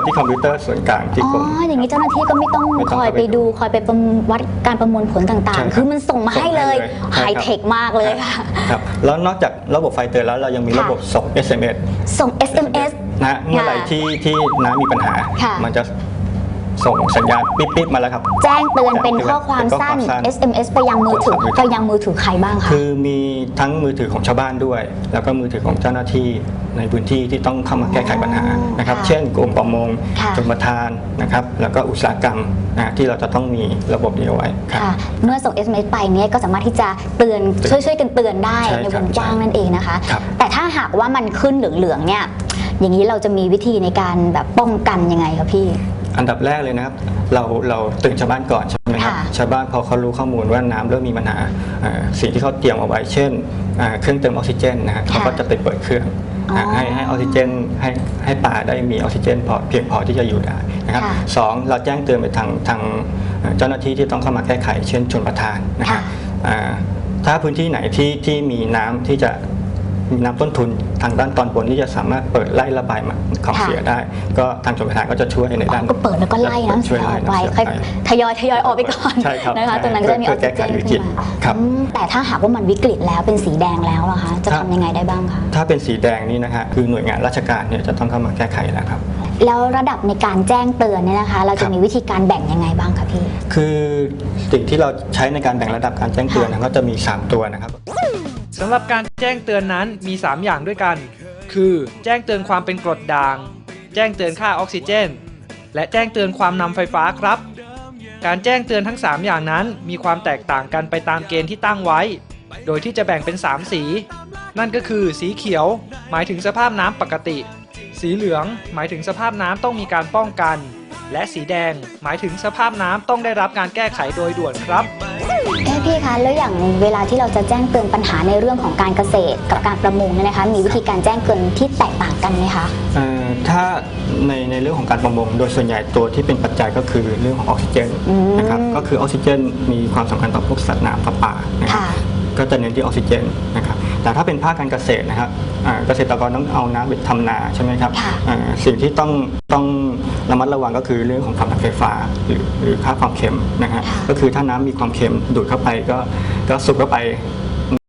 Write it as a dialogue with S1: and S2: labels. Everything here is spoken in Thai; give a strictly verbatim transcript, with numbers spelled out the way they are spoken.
S1: ที่คอมพิวเตอร์ส่วนกลางที่กรม
S2: อ๋ออย่างนี้เจ้าหน้าที่ก็ไม่ต้องคอยไปดูคอยไปประวัดการประมวลผลต่างๆคือมันส่งมาให้เลยไฮเทคมากเลยค่ะ
S1: ครับแล้วนอกจากระบบไฟเตือนแล้วเรายังมีระบบส่ง เอส เอ็ม เอส
S2: ส่ง เอส เอ็ม เอส
S1: นะเมื่อไหร่ที่ที่น้ำมีปัญหามันจะส่งสัญญาณปิ๊บๆมาแล้วครับ
S2: แจ้งเตือนเป็นข้อความสั้น เอส เอ็ม เอส ไปยังมือถือไปยังมือถือใครบ้างคะ
S1: คือมีทั้งมือถือของชาวบ้านด้วยแล้วก็มือถือของเจ้าหน้าที่ในพื้นที่ที่ต้องเข้ามาแก้ไขปัญหานะครับเช่นกรมประมงชลประทานนะครับแล้วก็อุตสาหกรรมนะที่เราจะต้องมีระบบนี้เอาไว้
S2: ค่ะเมื่อส่ง เอส เอ็ม เอส ไปเนี่ยก็สามารถที่จะเตือนช่วยช่วยกันเตือนได้ในวงกว้างนั่นเองนะคะแต่ถ้าหากว่ามันขึ้นเหลืองๆเนี่ยอย่างนี้เราจะมีวิธีในการแบบป้องกันยังไงคะพี่
S1: อันดับแรกเลยนะครับเราเราตื่นชาวบ้านก่อนใช่ไหมครับชาวบ้านพอเขารู้ข้อมูลว่าน้ำเริ่มมีปัญหาสิ่งที่เขาเตรียมเอาไว้เช่นเครื่องเติมออกซิเจนนะฮะเขาก็จะไปเปิดเครื่องให้ให้ออกซิเจนให้ให้ปลาได้มีออกซิเจนพอเพียงพอที่จะอยู่ได้นะครับสองเราแจ้งเตือนไปทางทางเจ้าหน้าที่ที่ต้องเข้ามาแก้ไขเช่นชลประทานนะครับถ้าพื้นที่ไหนที่ที่มีน้ำที่จะมีน้ำต้นทุนทางด้านตอนบนที่จะสามารถเปิดไล่ระบายของเสียได้ก็ทางชลประทานก็จะช่วยในด้าน
S2: ก็เปิดแล้วก็ไล่น้ำเสียออกไปทยอยทยอยออกไปก่อนนะคะตรงนั้นก็จะมีออกซิเจนขึ้นมาแต่ถ้าหากว่ามันวิกฤตแล้วเป็นสีแดงแล้วล่ะคะจะทำยังไงได้บ้างคะ
S1: ถ้าเป็นสีแดงนี่นะฮะคือหน่วยงานราชการเนี่ยจะต้องเข้ามาแก้ไขแล้วครับ
S2: แล้วระดับในการแจ้งเตือนเนี่ยนะคะเราจะมีวิธีการแบ่งยังไงบ้างคะพี่
S1: คือสิ่งที่เราใช้ในการแบ่งระดับการแจ้งเตือนก็จะมีสามตัวนะครับ
S3: สำหรับการแจ้งเตือนนั้นมีสามอย่างด้วยกันคือแจ้งเตือนความเป็นกรดด่างแจ้งเตือนค่าออกซิเจนและแจ้งเตือนความนำไฟฟ้าครับการแจ้งเตือนทั้งสามอย่างนั้นมีความแตกต่างกันไปตามเกณฑ์ที่ตั้งไว้โดยที่จะแบ่งเป็นสามสีนั่นก็คือสีเขียวหมายถึงสภาพน้ำปกติสีเหลืองหมายถึงสภาพน้ำต้องมีการป้องกันและสีแดงหมายถึงสภาพน้ำต้องได้รับการแก้ไขโดยด่วนครับ
S2: แค่พี่คะแล้วอย่างเวลาที่เราจะแจ้งเตือนปัญหาในเรื่องของการเกษตรกับการประมงเนี่ยนะคะมีวิธีการแจ้งเตือนที่แตกต่างกันไหมคะ
S1: ถ้าในในเรื่องของการประมงโดยส่วนใหญ่ตัวที่เป็นปัจจัยก็คือเรื่องของออกซิเจนนะครับก็คือออกซิเจนมีความสำคัญต่อพวกสัตว์น้ำปลาก็จะเน้นที่ออกซิเจนนะครับแต่ถ้าเป็นภาคการเกษตรนะครับเกษตรกรต้องเอาน้ำไปทำนาใช่ไหมครับสิ่งที่ต้องต้องระมัดระวังก็คือเรื่องของความดันไฟฟ้าหรือหรือค่าความเค็มนะฮะก็คือถ้าน้ำมีความเค็มดูดเข้าไปก็ก็สูบเข้าไป